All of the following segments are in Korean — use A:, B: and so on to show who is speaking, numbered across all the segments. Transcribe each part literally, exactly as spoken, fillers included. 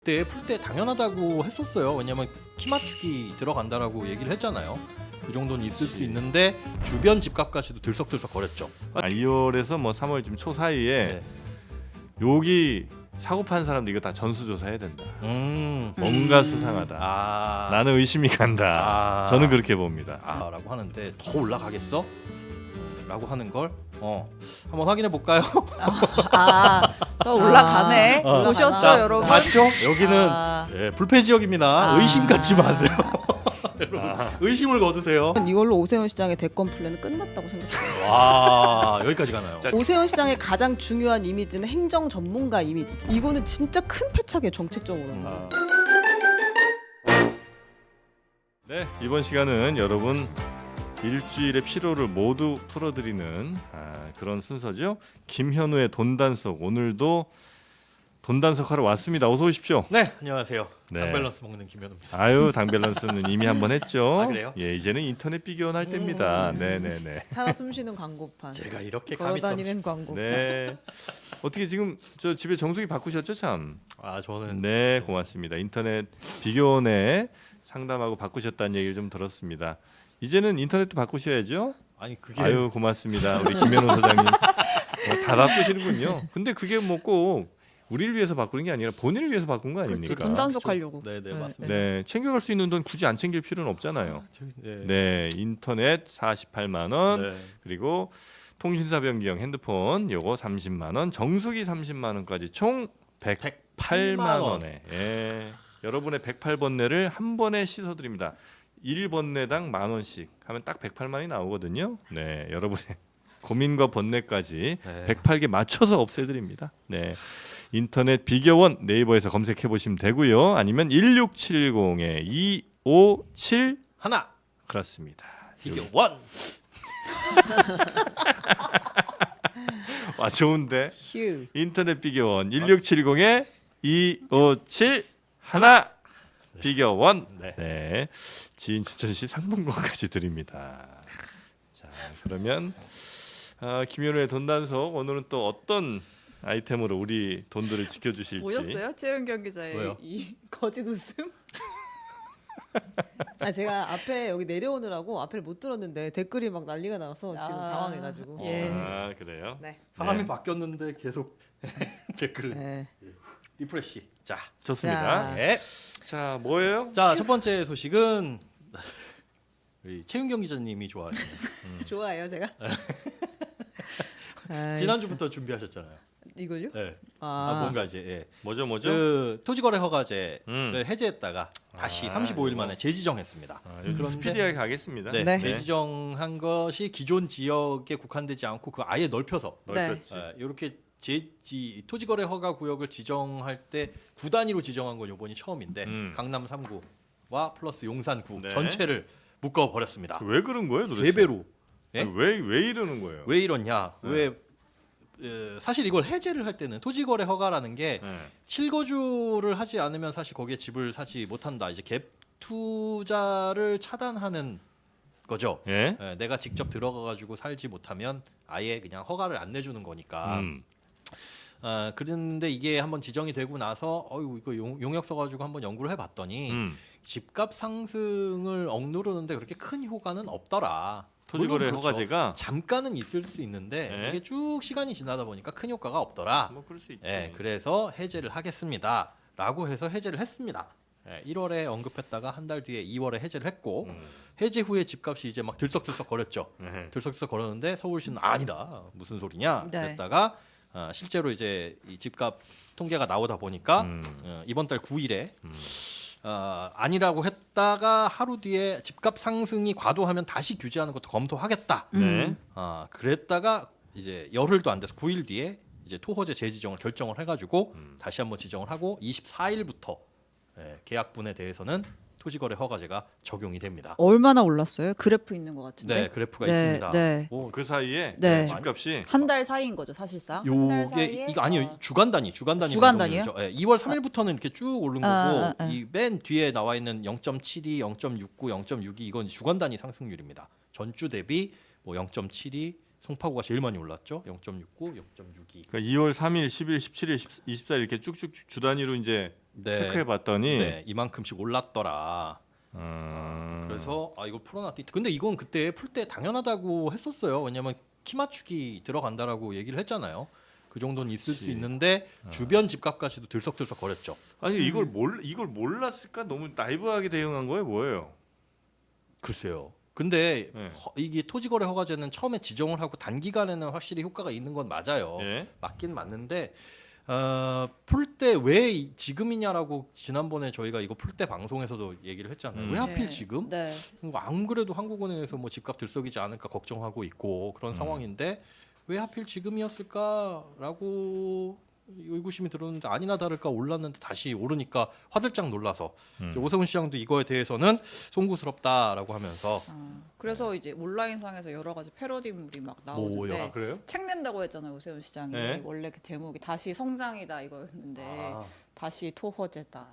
A: 그때 풀 때 당연하다고 했었어요. 왜냐면 키 맞추기 들어간다라고 얘기를 했잖아요. 그 정도는 있을 수 있는데 주변 집값까지도 들썩들썩 거렸죠.
B: 아, 이월에서 뭐 삼월쯤 초 사이에
A: 네.
B: 여기 사고 판 사람들 이거 다 전수조사해야 된다.
A: 음.
B: 뭔가
C: 음.
B: 수상하다.
A: 아.
B: 나는 의심이 간다.
A: 아.
B: 저는 그렇게 봅니다.
A: 아라고 하는데 더 올라가겠어? 어, 라고 하는 걸 어, 한번 확인해 볼까요?
C: 아, 또 올라가네.
A: 아.
C: 보셨죠,
A: 자,
C: 여러분?
A: 맞죠? 여기는
C: 아.
A: 예, 불패 지역입니다.
C: 아.
A: 의심 갖지 마세요. 여러분
B: 아.
A: 의심을 거두세요.
C: 이걸로 오세훈 시장의 대권 플랜은 끝났다고 생각해요.
A: 와 여기까지 가나요?
B: 자,
C: 오세훈 시장의 가장 중요한 이미지는 행정 전문가 이미지. 이거는 진짜 큰 패착이에요, 정책적으로.
A: 음.
B: 아. 네, 이번 시간은 여러분 일주일의 피로를 모두 풀어드리는 아, 그런 순서죠. 김현우의 돈단속, 오늘도 돈단속 하러 왔습니다. 어서 오십시오.
A: 네 안녕하세요.
B: 네.
A: 당밸런스 먹는 김현우입니다.
B: 아유, 당밸런스는 이미 한번 했죠.
A: 아, 그래요?
B: 예, 이제는 인터넷 비교원 할 때입니다.
C: 음.
B: 네, 네, 네.
C: 살아 숨쉬는 광고판.
A: 제가 이렇게 감이 떨어지...
C: 걸어다니는 광고판.
B: 네. 어떻게 지금 저 집에 정수기 바꾸셨죠, 참?
A: 아 저는
B: 네, 고맙습니다. 인터넷 비교원에 상담하고 바꾸셨다는 얘기를 좀 들었습니다. 이제는 인터넷도 바꾸셔야죠.
A: 아니 그게
B: 아유, 고맙습니다. 우리 김현우 소장님. 어, 다 바꾸시는군요. 근데 그게 뭐 꼭 우리를 위해서 바꾸는 게 아니라 본인을 위해서 바꾼 거 아닙니까?
C: 그렇지, 돈 단속하려고.
A: 네네
C: 네,
A: 맞습니다.
B: 네, 챙겨갈 수 있는 돈 굳이 안 챙길 필요는 없잖아요.
A: 저기, 네.
B: 네, 인터넷 사십팔만 원,
A: 네.
B: 그리고 통신사 변경 핸드폰 요거 삼십만 원, 정수기 삼십만 원까지 총 백팔만 원에 예, 여러분의 백팔 번뇌를 한 번에 씻어드립니다. 일 번뇌당 만 원씩 하면 딱 백팔만이 나오거든요. 네, 여러분의 고민과 번뇌까지
A: 네.
B: 백팔 개 맞춰서 없애드립니다. 네, 인터넷 비교원 네이버에서 검색해 보시면 되고요. 아니면 일육칠공에 이오칠
A: 하나
B: 그렇습니다.
A: 이게 원.
B: 와, 좋은데.
C: 휴.
B: 인터넷 비교원 일육칠공에 이오칠 하나 비교원.
A: 네.
B: 네, 지인 추천 시 상품권까지 드립니다. 자, 그러면 어, 김현우의 돈단속, 오늘은 또 어떤 아이템으로 우리 돈들을 지켜주실지.
C: 보셨어요? 최은경 기자의
A: 왜요?
C: 이 거짓 웃음? 아 제가 앞에 여기 내려오느라고 앞에를 못 들었는데 댓글이 막 난리가 나서 지금
A: 아.
C: 당황해가지고.
A: 예.
B: 아, 그래요?
C: 네.
A: 사람이
B: 네.
A: 바뀌었는데 계속 댓글을
C: 네.
A: 리프레시. 자,
B: 좋습니다.
C: 자.
A: 네.
B: 자, 뭐예요?
A: 자, 첫 번째 소식은 우리 최윤경 기자님이 좋아하시는
C: 좋아해요 제가. 아이,
A: 지난주부터 준비하셨잖아요.
C: 이걸요?
A: 네. 아,
C: 아,
A: 뭔가 이제 예.
B: 뭐죠, 뭐죠?
A: 그 토지거래 허가제를
B: 음.
A: 해제했다가 다시
B: 아,
A: 삼십오 일
B: 이거.
A: 만에 재지정했습니다.
B: 아, 요즘
A: 그런데-
B: 스피디하게 가겠습니다.
A: 네,
C: 네.
A: 재지정한 것이 기존 지역에 국한되지 않고 그 아예 넓혀서
B: 넓혔지.
A: 이렇게 제지 토지거래 허가 구역을 지정할 때 구 단위로 지정한 건 이번이 처음인데
B: 음.
A: 강남 삼 구와 플러스 용산 구
B: 네.
A: 전체를 묶어 버렸습니다.
B: 왜 그런 거예요, 도대체?
A: 세 배로. 예?
B: 왜 왜 이러는 거예요?
A: 왜 이러냐?
B: 네.
A: 왜 에, 사실 이걸 해제를 할 때는 토지거래 허가라는 게
B: 네.
A: 실거주를 하지 않으면 사실 거기에 집을 사지 못한다. 이제 갭 투자를 차단하는 거죠.
B: 예?
A: 예, 내가 직접 들어가 가지고 살지 못하면 아예 그냥 허가를 안 내주는 거니까.
B: 음.
A: 어, 그런데 이게 한번 지정이 되고 나서 어유 이거 용, 용역 써가지고 한번 연구를 해봤더니
B: 음.
A: 집값 상승을 억누르는데 그렇게 큰 효과는 없더라.
B: 토지거래
A: 물론 그렇죠.
B: 허가제가
A: 잠깐은 있을 수 있는데
B: 네.
A: 이게 쭉 시간이 지나다 보니까 큰 효과가 없더라.
B: 뭐 그럴 수 있죠.
A: 예, 그래서 해제를 하겠습니다라고 해서 해제를 했습니다. 예, 일월에 언급했다가 한 달 뒤에 이월에 해제를 했고
B: 음.
A: 해제 후에 집값이 이제 막 들썩들썩 거렸죠.
B: 네.
A: 들썩들썩 거렸는데 서울시는 아니다 무슨 소리냐
C: 네.
A: 그랬다가 어, 실제로 이제 이 집값 통계가 나오다 보니까
B: 음.
A: 어, 이번 달 구 일에
B: 음.
A: 어, 아니라고 했다가 하루 뒤에 집값 상승이 과도하면 다시 규제하는 것도 검토하겠다.
C: 음.
B: 네.
A: 아 그랬다가 이제 열흘도 안 돼서 구 일 뒤에 이제 토허제 재지정을 결정을 해가지고
B: 음.
A: 다시 한번 지정을 하고 이십사 일부터 예, 계약분에 대해서는 토지거래 허가제가 적용이 됩니다.
C: 얼마나 올랐어요? 그래프 있는 것 같은데.
A: 네, 그래프가
C: 네,
A: 있습니다.
C: 네.
A: 오,
B: 그 사이에
C: 네.
B: 집값이
C: 한 달 사이인 거죠 사실상. 한 달
A: 요게
C: 사이에,
A: 이거 아니요
C: 어,
A: 주간 단위 주간 단위
C: 주간
A: 변동률이죠. 예, 이월 삼 일부터는 이렇게 쭉 오른
C: 아,
A: 거고
C: 아, 아.
A: 이 맨 뒤에 나와 있는 영 점 칠이, 영 점 육구, 영 점 육이 이건 주간 단위 상승률입니다. 전주 대비 뭐 영 점 칠이 송파구가 제일 많이 올랐죠. 영 점 육구, 영 점 육이.
B: 그러니까 이월 삼일, 십일, 십칠일, 이십사일 이렇게 쭉쭉 주 단위로 이제
A: 네.
B: 체크해 봤더니
A: 네, 이만큼씩 올랐더라.
B: 음...
A: 그래서 아 이걸 풀어놨더니 근데 이건 그때 풀 때 당연하다고 했었어요. 왜냐면 키 맞추기 들어간다라고 얘기를 했잖아요. 그 정도는 있을
B: 그치.
A: 수 있는데 주변 집값까지도 들썩들썩 거렸죠.
B: 아니 이걸 몰 이걸 몰랐을까? 너무 나이브하게 대응한 거예요, 뭐예요?
A: 글쎄요. 근데
B: 네.
A: 허, 이게 토지거래 허가제는 처음에 지정을 하고 단기간에는 확실히 효과가 있는 건 맞아요.
B: 예.
A: 맞긴 맞는데 어, 풀 때 왜 지금이냐라고 지난번에 저희가 이거 풀 때 방송에서도 얘기를 했잖아요.
B: 음.
A: 왜 하필
C: 네.
A: 지금?
C: 네.
A: 뭐 안 그래도 한국은행에서 뭐 집값 들썩이지 않을까 걱정하고 있고 그런
B: 음. 상황인데
A: 상황인데 왜 하필 지금이었을까라고 의구심이 들었는데 아니나 다를까 올랐는데 다시 오르니까 화들짝 놀라서
B: 음.
A: 이제 오세훈 시장도 이거에 대해서는 송구스럽다라고 하면서
D: 아, 그래서 이제 온라인상에서 여러 가지 패러디물이 막 나오는데
A: 뭐요?
B: 아, 그래요?
D: 책 낸다고 했잖아요 오세훈 시장이.
B: 네.
D: 원래 그 제목이 다시 성장이다 이거였는데
A: 아,
D: 다시 토허제다.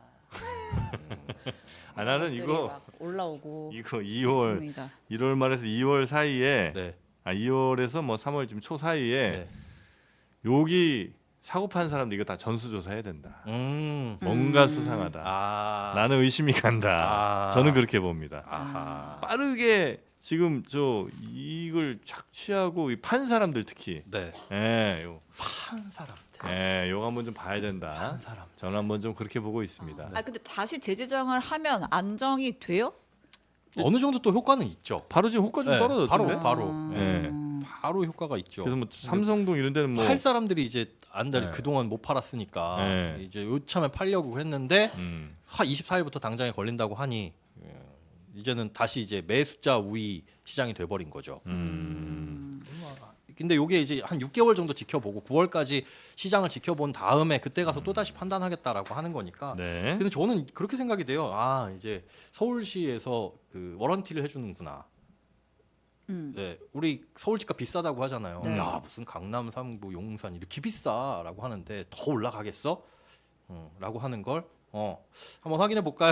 B: 아 나는
D: 것들이
B: 이거
D: 막 올라오고
B: 이거 이월
D: 있습니다.
B: 일월 말에서 이월 사이에
A: 네.
B: 아 이월에서 뭐 삼월 지금 초 사이에
A: 네.
B: 여기 사고 판 사람들 이거 다 전수조사 해야 된다.
A: 음.
B: 뭔가
D: 음.
B: 수상하다.
A: 아.
B: 나는 의심이 간다.
A: 아.
B: 저는 그렇게 봅니다.
A: 아하.
B: 빠르게 지금 저 이걸 착취하고 이 판 사람들 특히
A: 네.
B: 예, 요,
A: 판 사람들.
B: 예, 요거 한번 좀 봐야 된다.
A: 판 사람.
B: 저는 한번 좀 그렇게 보고 있습니다.
D: 아 근데 다시 재지정을 하면 안정이 돼요?
A: 어느 정도 또 효과는 있죠.
B: 바로 지금 호가 좀
A: 네,
B: 떨어졌던데.
A: 바로 바로.
D: 음.
B: 네.
A: 바로 효과가 있죠.
B: 그래서 뭐 삼성동 이런 데는 뭐
A: 팔 사람들이 이제 안달
B: 네.
A: 그동안 못 팔았으니까
B: 네.
A: 이제 요참에 팔려고 했는데
B: 음,
A: 하 이십사일부터 당장에 걸린다고 하니 예, 이제는 다시 이제 매수자 우위 시장이 돼버린 거죠.
B: 음.
A: 근데 요게 이제 한 육 개월 정도 지켜보고 구월까지 시장을 지켜본 다음에 그때 가서 또 다시 판단하겠다라고 하는 거니까.
B: 네.
A: 근데 저는 그렇게 생각이 돼요. 아 이제 서울시에서 그 워런티를 해주는구나.
D: 음.
A: 네, 우리 서울 집값 비싸다고 하잖아요.
D: 네.
A: 야 무슨 강남, 삼구, 용산 이렇게 비싸라고 하는데 더 올라가겠어? 어, 라고 하는 걸 어, 한번 확인해 볼까요?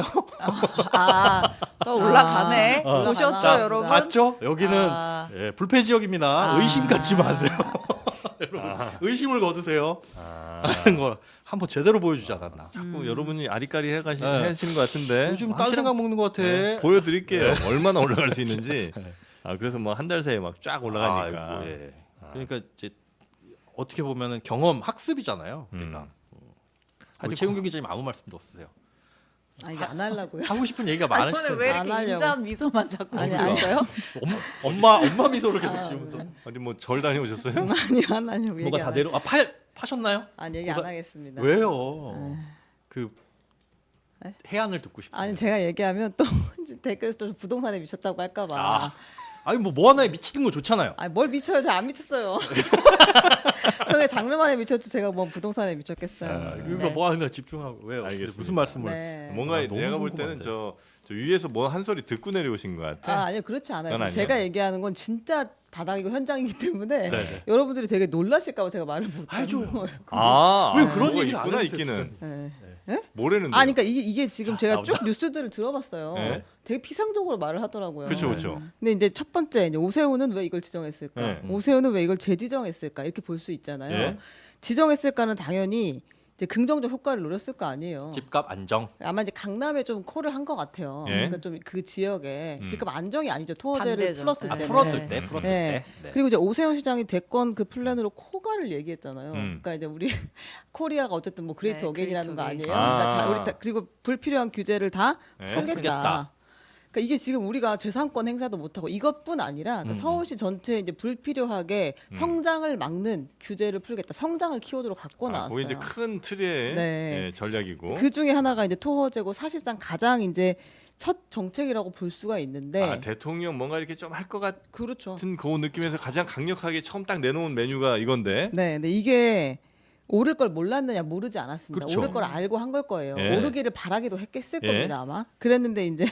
D: 아또 올라가네.
C: 아.
D: 보셨죠
C: 자,
D: 여러분?
A: 맞죠? 여기는
D: 아.
A: 예, 불패 지역입니다.
D: 아.
A: 의심 갖지 마세요. 여러분 의심을 거두세요.
B: 아,
A: 하는 걸 한번 제대로 보여주지 않았나?
B: 자꾸
D: 음.
B: 여러분이 아리까리 해가시
A: 네.
B: 하시는 것 같은데
A: 요즘
B: 뭐
A: 딴
B: 확실한-
A: 생각 먹는 것 같아.
B: 네, 보여드릴게요. 얼마나 올라갈 수 있는지.
A: 네.
B: 아 그래서 뭐 한 달 새에 막 쫙 올라가니까.
A: 아이고, 예.
B: 아.
A: 그러니까 이제 어떻게 보면은 경험 학습이잖아요. 그러니까
B: 음.
A: 우리 최은경 기자님 아무 말씀도 없으세요.
C: 아 이게 안 하려고요.
A: 하고 싶은 얘기가
D: 아니,
A: 많으실
D: 오늘 왜
A: 텐데
C: 안
D: 이렇게
C: 하려고.
D: 인자한 미소만 자꾸
C: 아니
D: 지고
C: 아니
D: 있어요?
A: 엄마 엄마 미소를 계속
C: 아,
A: 지으면서
B: 어디 뭐 절 다녀오셨어요?
C: 아니 안 하려고 얘기
A: 뭐가 다
C: 안
A: 내려 아팔 파셨나요?
C: 아니 얘기
A: 고사-
C: 안 하겠습니다.
A: 왜요? 그
C: 네?
A: 해안을 듣고 싶어요.
C: 아니 제가 얘기하면 또 댓글에서 또 부동산에 미쳤다고 할까봐.
A: 아, 아니 뭐 뭐 하나에 미치는 거 좋잖아요.
C: 아니 뭘 미쳐요? 제가 안 미쳤어요. 저게 장르만에 미쳤지 제가 뭐 부동산에 미쳤겠어요.
A: 아,
C: 네.
A: 이거 뭐 하나 집중하고 왜요?
B: 알겠습니다.
A: 무슨 말씀을?
C: 네.
B: 뭔가
A: 아, 너무
B: 내가 볼 때는
A: 궁금한데.
B: 저, 저 위에서 뭐 한 소리 듣고 내려오신 것 같아.
C: 아 아니요 그렇지 않아요.
B: 그건 아니에요.
C: 제가 얘기하는 건 진짜 바닥이고 현장이기 때문에
A: 네네.
C: 여러분들이 되게 놀라실까봐 제가 말을 못
A: 알죠.
C: 하는 거예요.
B: 아,
A: 왜
B: 아,
A: 그런
B: 뭐가
A: 얘기를 안
B: 있구나
A: 해주세요,
B: 있기는.
C: 네.
B: 뭐라는데?
C: 아, 그러니까 이게, 이게 지금
A: 자,
C: 제가
A: 나온다.
C: 쭉 뉴스들을 들어봤어요.
B: 네.
C: 되게 피상적으로 말을 하더라고요.
B: 그렇죠, 그렇죠.
C: 근데 이제 첫 번째 이제 오세훈은 왜 이걸 지정했을까?
B: 네.
C: 오세훈은 왜 이걸 재지정했을까? 이렇게 볼 수 있잖아요.
B: 예.
C: 지정했을까는 당연히 이제 긍정적 효과를 노렸을 거 아니에요.
A: 집값 안정.
C: 아마 이제 강남에 좀 콜을 한 것 같아요.
B: 예.
C: 그러니까 좀 그 지역에
B: 음.
C: 집값 안정이 아니죠. 토어제를
D: 반대죠.
C: 풀었을
A: 아,
C: 때.
A: 풀었을 때,
C: 네.
A: 풀었을
C: 네.
A: 때. 네.
C: 그리고 이제 오세훈 시장이 대권 그 플랜으로 코가를 얘기했잖아요.
B: 음.
C: 그러니까 이제 우리 코리아가 어쨌든 뭐 그레이트
D: 네,
C: 어게인이라는 거
D: 그레이트
C: 아니에요.
B: 어게인.
C: 그러니까 자,
B: 아.
C: 우리 다, 그리고 불필요한 규제를 다
B: 네.
C: 풀겠다.
A: 풀겠다.
C: 그러니까 이게 지금 우리가 재산권 행사도 못 하고 이것뿐 아니라 그러니까
A: 음,
C: 서울시 전체에 이제 불필요하게
B: 음.
C: 성장을 막는 규제를 풀겠다. 성장을 키워드로 갖고
B: 아,
C: 나왔어요.
B: 그게 이제 큰 틀의
C: 네.
B: 예, 전략이고.
C: 그 중에 하나가 이제 토호제고 사실상 가장 이제 첫 정책이라고 볼 수가 있는데
B: 아, 대통령 뭔가 이렇게 좀 할 것
C: 그렇죠.
B: 같은 그 느낌에서 가장 강력하게 처음 딱 내놓은 메뉴가 이건데.
C: 네, 근데 이게 오를 걸 몰랐느냐 모르지 않았습니다.
A: 그렇죠.
C: 오를 걸 알고 한 걸 거예요.
B: 예.
C: 오르기를 바라기도 했겠을
B: 예.
C: 겁니다 아마. 그랬는데 이제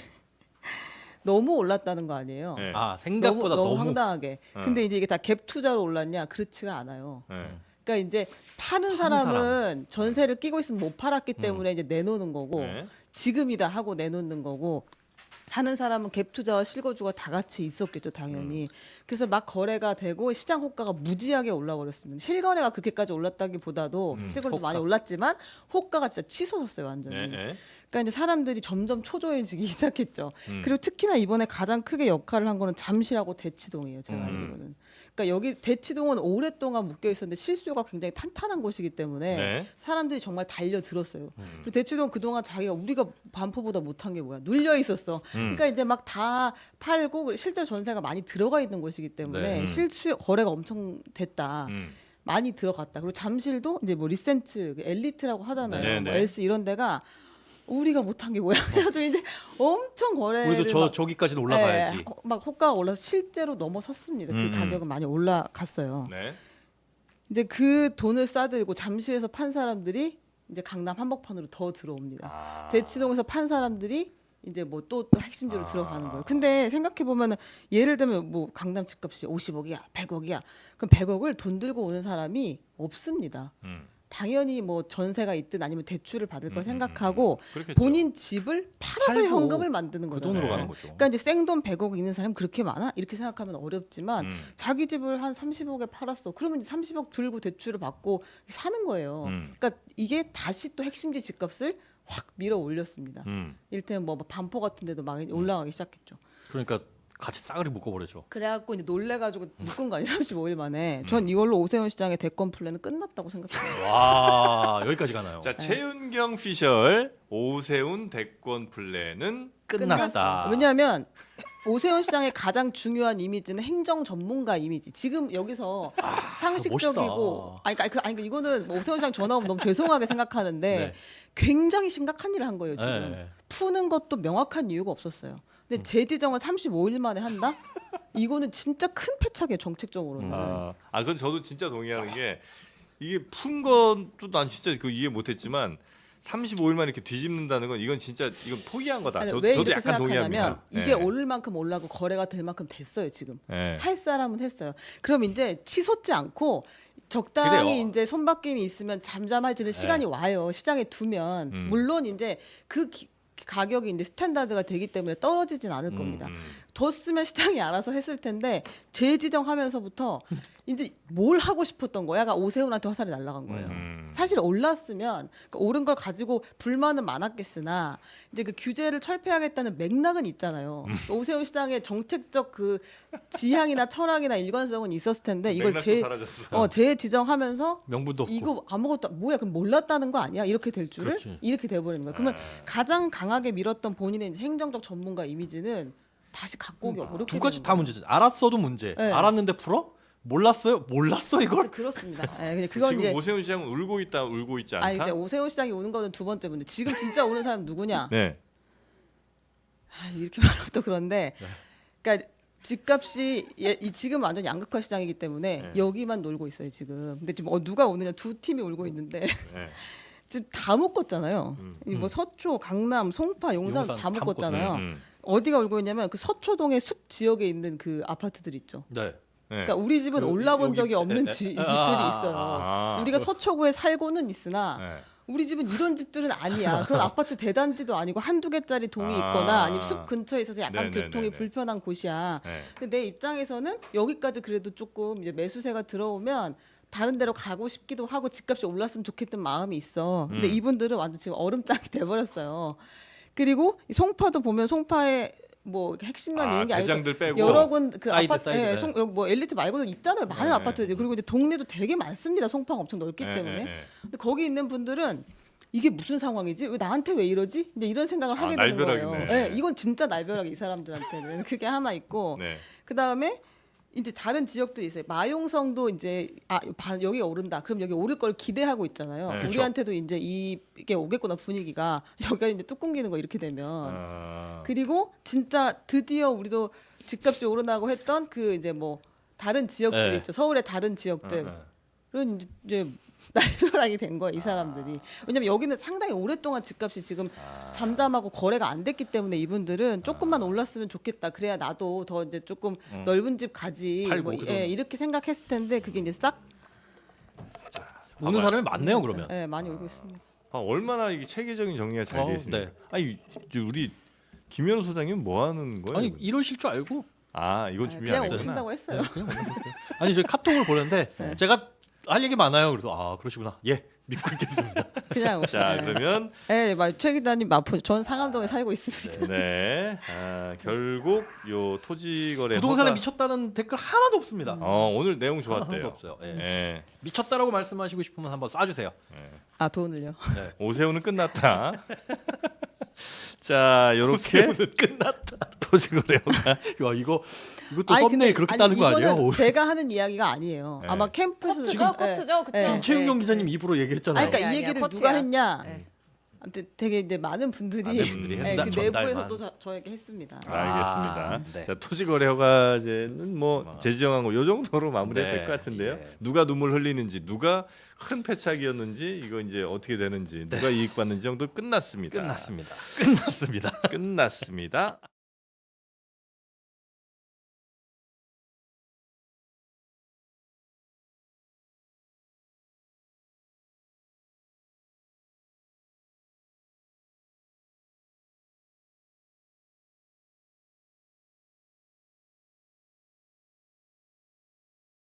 C: 너무 올랐다는 거 아니에요.
B: 예.
A: 아
C: 너무,
A: 생각보다
C: 너무
A: 너무,
C: 황당하게.
B: 어.
C: 근데 이제 이게 다 갭 투자로 올랐냐? 그렇지가 않아요.
B: 예.
C: 그러니까 이제 파는
A: 파는
C: 사람은 전세를 끼고 있으면 못 팔았기 때문에 이제 내놓는 거고
B: 예.
C: 지금이다 하고 내놓는 거고 사는 사람은 갭 투자와 실거주가 다 같이 있었겠죠, 당연히. 그래서 막 거래가 되고 시장 호가가 무지하게 올라버렸습니다. 실거래가 그렇게까지 올랐다기보다도
B: 음,
C: 실거래도
A: 호가.
C: 많이 올랐지만 호가가 진짜 치솟았어요, 완전히.
B: 네, 네.
C: 그러니까 이제 사람들이 점점 초조해지기 시작했죠.
B: 음.
C: 그리고 특히나 이번에 가장 크게 역할을 한 거는 잠실하고 대치동이에요. 제가
B: 음.
C: 알기로는. 그러니까 여기 대치동은 오랫동안 묶여 있었는데 실수요가 굉장히 탄탄한 곳이기 때문에
B: 네.
C: 사람들이 정말 달려들었어요.
B: 음.
C: 그리고 대치동 그동안 자기가 우리가 반포보다 못한 게 뭐야? 눌려 있었어.
B: 음.
C: 그러니까 이제 막 다 팔고 실제로 전세가 많이 들어가 있는 곳이기 때문에
A: 네.
B: 음.
C: 실수요 거래가 엄청 됐다.
B: 음.
C: 많이 들어갔다. 그리고 잠실도 이제 뭐 리센트, 엘리트라고 하잖아요.
B: 네,
C: 뭐
B: 네.
C: 엘스 이런 데가 우리가 못한 게 뭐야? 그래서 이제 엄청 거래를
A: 우리도 저
C: 막,
A: 저기까지는 올라가야지.
C: 예, 막 호가가 올라서 실제로 넘어섰습니다. 그
B: 음.
C: 가격은 많이 올라갔어요.
B: 네.
C: 이제 그 돈을 싸들고 잠실에서 판 사람들이 이제 강남 한복판으로 더 들어옵니다.
B: 아.
C: 대치동에서 판 사람들이 이제 뭐 또 핵심지로
B: 아.
C: 들어가는 거예요. 근데 생각해 보면은 예를 들면 뭐 강남 집값이 오십억이야, 백억이야. 그럼 백억을 돈 들고 오는 사람이 없습니다.
B: 음.
C: 당연히 뭐 전세가 있든 아니면 대출을 받을 걸
B: 음,
C: 생각하고
B: 음, 음. 그렇겠죠.
C: 본인 집을 팔아서
A: 팔고
C: 현금을 만드는
A: 그
C: 거잖아요.
A: 돈으로
B: 네.
A: 가는 거죠.
C: 그러니까 이제 생돈 백억 있는 사람 그렇게 많아? 이렇게 생각하면 어렵지만
B: 음.
C: 자기 집을 한 삼십억에 팔았어. 그러면 이제 삼십억 들고 대출을 받고 사는 거예요.
B: 음.
C: 그러니까 이게 다시 또 핵심지 집값을 확 밀어 올렸습니다.
B: 음.
C: 일테면 뭐 반포 같은 데도 막 올라가기 시작했죠.
A: 그러니까 같이 싸그리 묶어버리죠.
C: 그래갖고 이제 놀래가지고 묶은 거 아니에요? 삼십오일 만에.
B: 음.
C: 전 이걸로 오세훈 시장의 대권 플랜은 끝났다고 생각해요.
A: 와 여기까지 가나요?
B: 자, 최은경 피셜 오세훈 대권 플랜은
A: 끝났다.
C: 왜냐하면 오세훈 시장의 가장 중요한 이미지는 행정 전문가 이미지. 지금 여기서 상식적이고,
A: 멋있다.
C: 아니, 그러니까 그, 아니, 그러니까 이거는 뭐 오세훈 시장 전화 오면 너무 죄송하게 생각하는데
A: 네.
C: 굉장히 심각한 일을 한 거예요 지금.
A: 네.
C: 푸는 것도 명확한 이유가 없었어요. 근데 재지정을 삼십오일 만에 한다? 이거는 진짜 큰 패착이에요 정책적으로는.
B: 아, 아 그건 저도 진짜 동의하는 게 이게 푼 것도 난 진짜 그 이해 못했지만 삼십오일만 이렇게 뒤집는다는 건 이건 진짜 이건 포기한 거다.
C: 아니,
B: 저,
C: 왜
B: 저도
C: 이렇게
B: 약간
C: 생각하냐면
B: 동의합니다.
C: 이게
B: 네.
C: 오를 만큼 올라고 거래가 될 만큼 됐어요 지금.
B: 네.
C: 할 사람은 했어요. 그럼 이제 치솟지 않고 적당히
A: 그래요.
C: 이제 손바뀜이 있으면 잠잠해지는 시간이 와요. 시장에 두면
B: 음.
C: 물론 이제 그 기- 가격이 이제 스탠다드가 되기 때문에 떨어지진 않을
B: 음,
C: 겁니다.
B: 음.
C: 뒀으면 시장이 알아서 했을 텐데 재지정하면서부터 이제 뭘 하고 싶었던 거야? 그러니까 오세훈한테 화살이 날아간 거예요.
B: 음.
C: 사실 올랐으면 그 오른 걸 가지고 불만은 많았겠으나 이제 그 규제를 철폐하겠다는 맥락은 있잖아요.
B: 음.
C: 오세훈 시장의 정책적 그 지향이나 철학이나 일관성은 있었을 텐데 이걸
B: 맥락도
C: 재
B: 사라졌어.
C: 어, 재지정하면서
A: 명분도 없고.
C: 이거 아무것도 뭐야 그럼 몰랐다는 거 아니야? 이렇게 될 줄을
A: 그렇지.
C: 이렇게 돼버리는 거예요. 그러면
B: 아.
C: 가장 강하게 밀었던 본인의 이제 행정적 전문가 이미지는 다시 갖고 오기 어렵게
A: 두 가지
C: 되는
A: 다
C: 거예요.
A: 문제죠. 알았어도 문제.
C: 네.
A: 알았는데 풀어? 몰랐어요? 몰랐어 이걸?
C: 그렇습니다. 예, 그냥 그건
B: 지금
C: 이제
B: 오세훈 시장은 울고 있다 울고 있지 않다.
C: 아니 이제 오세훈 시장이 오는 거는 두 번째 문제. 지금 진짜 오는 사람 누구냐?
B: 네.
C: 아, 이렇게 말하면 또 그런데,
A: 네.
C: 그러니까 집값이 예, 이 지금 완전 양극화 시장이기 때문에
B: 네.
C: 여기만 놀고 있어요 지금. 근데 지금 어, 누가 오느냐 두 팀이 울고 있는데
B: 네.
C: 지금 다 묶었잖아요.
B: 음.
C: 이 뭐 서초, 강남, 송파, 용산,
A: 용산
C: 다
A: 다
C: 묶었잖아요.
B: 음, 음.
C: 어디가 울고 있냐면 그 서초동의 숲 지역에 있는 그 아파트들 있죠.
A: 네.
B: 네.
C: 그러니까 우리 집은
A: 그,
C: 올라본
A: 여기-
C: 적이 없는
A: 에, 에,
C: 지,
A: 에,
C: 집들이
A: 아,
C: 있어요.
B: 아.
C: 우리가 서초구에 살고는 있으나
B: 네.
C: 우리 집은 이런 집들은 아니야. 그런 아파트 대단지도 아니고 한두 개짜리 동이
B: 아.
C: 있거나 아니면 숲 근처에 있어서 약간
B: 네네네네.
C: 교통이 불편한 곳이야.
B: 네.
C: 근데 내 입장에서는 여기까지 그래도 조금 이제 매수세가 들어오면 다른 데로 가고 싶기도 하고 집값이 올랐으면 좋겠던 마음이 있어. 근데
B: 음.
C: 이분들은 완전 지금 얼음장이 돼버렸어요. 그리고 이 송파도 보면 송파에 뭐 핵심만
B: 아,
C: 있는 게 아니고
B: 대장들 빼고
C: 여러 군 그
A: 사이드,
C: 아파트,
A: 사이드,
C: 예,
A: 네.
C: 송, 여기 뭐 엘리트 말고도 있잖아요. 많은
B: 네,
C: 아파트들이. 그리고 이제 동네도 되게 많습니다. 송파가 엄청 넓기
B: 네,
C: 때문에.
B: 네, 네.
C: 근데 거기 있는 분들은 이게 무슨 상황이지? 왜 나한테 왜 이러지? 이제 이런 생각을
B: 아,
C: 하게 되는 거예요.
B: 날벼락이네.
C: 예, 이건 진짜 날벼락 이 사람들한테는 그게 하나 있고
B: 네.
C: 그 다음에 이제 다른 지역도 있어요. 마용성도 이제 아 바- 여기 오른다. 그럼 여기 오를 걸 기대하고 있잖아요.
B: 네, 그렇죠.
C: 우리한테도 이제 이- 이게 오겠구나 분위기가 여기가 이제 뚝 끊기는 거 이렇게 되면
B: 아.
C: 그리고 진짜 드디어 우리도 집값이 오르나고 했던 그 이제 뭐 다른 지역들
A: 네.
C: 있죠. 서울의 다른 지역들.
B: 어, 어.
C: 그런 이제, 이제 날벼락이 된 거예요 이 사람들이. 왜냐면 여기는 상당히 오랫동안 집값이 지금 잠잠하고 거래가 안 됐기 때문에 이분들은 조금만 올랐으면 좋겠다. 그래야 나도 더 이제 조금 넓은 집 가지.
A: 팔고,
C: 뭐,
A: 그러면.
C: 예, 이렇게 생각했을 텐데 그게 이제 싹
A: 우는 사람이 많네요 그러면.
C: 예, 많이 울고 있습니다.
B: 아, 얼마나 이게 체계적인 정리가 잘
A: 어,
B: 되어 있습니까?
A: 네.
B: 아니 우리 김현우 소장님 뭐 하는 거예요?
A: 아니 이러실 줄 알고
B: 아 이건
C: 아,
B: 준비
C: 그냥
B: 안 했구나.
C: 오신다고 했어요.
A: 네, 그냥 올려줬어요. 아니 저희 카톡을 보는데
C: 네.
A: 제가 할 얘기 많아요. 그래서 아 그러시구나. 예 믿고 있겠습니다.
C: 그냥 오신.
B: 자 그러면
C: 네, 최 기자님 마포. 전 상암동에 살고 있습니다.
B: 네 아, 결국 요 토지거래
A: 부동산에
B: 허가-
A: 미쳤다는 댓글 하나도 없습니다.
B: 어 오늘 내용
A: 하나도
B: 좋았대요.
A: 없어요. 예.
B: 예.
A: 미쳤다라고 말씀하시고 싶으면 한번 쏴주세요.
C: 아 돈을요.
B: 오세훈은 끝났다. 자 요렇게
A: 끝났다.
B: 토지거래 허가
A: 야 이거 이것도
C: 아니,
A: 썸네일
C: 근데-
A: 그렇게
C: 아니,
A: 따는 거 아니에요?
C: 이거는
A: 오,
C: 제가 하는 이야기가 아니에요.
B: 네.
C: 아마 캠프에서
D: 커트죠, 커트죠, 그쵸?
C: 네.
A: 지금 최윤경
D: 네.
A: 기자님 입으로 얘기했잖아요.
C: 아니, 그러니까
D: 아니야,
C: 이 얘기를
D: 아니야,
C: 누가
D: 커트야.
C: 했냐.
D: 네.
C: 아무튼 되게 이제 많은 분들이
A: 많은 분들이
C: 네,
A: 했다,
C: 그
A: 전달만.
C: 내부에서도 저, 저에게 했습니다.
B: 알겠습니다.
A: 아, 네.
B: 자 토지거래 허가제는 뭐 재지정한 거 요 정도로 마무리가
A: 네,
B: 될 것 같은데요.
A: 예.
B: 누가 눈물 흘리는지, 누가 큰 패착이었는지, 이거 이제 어떻게 되는지, 누가 이익 받는지 정도 끝났습니다.
A: 끝났습니다. 끝났습니다.
B: 끝났습니다.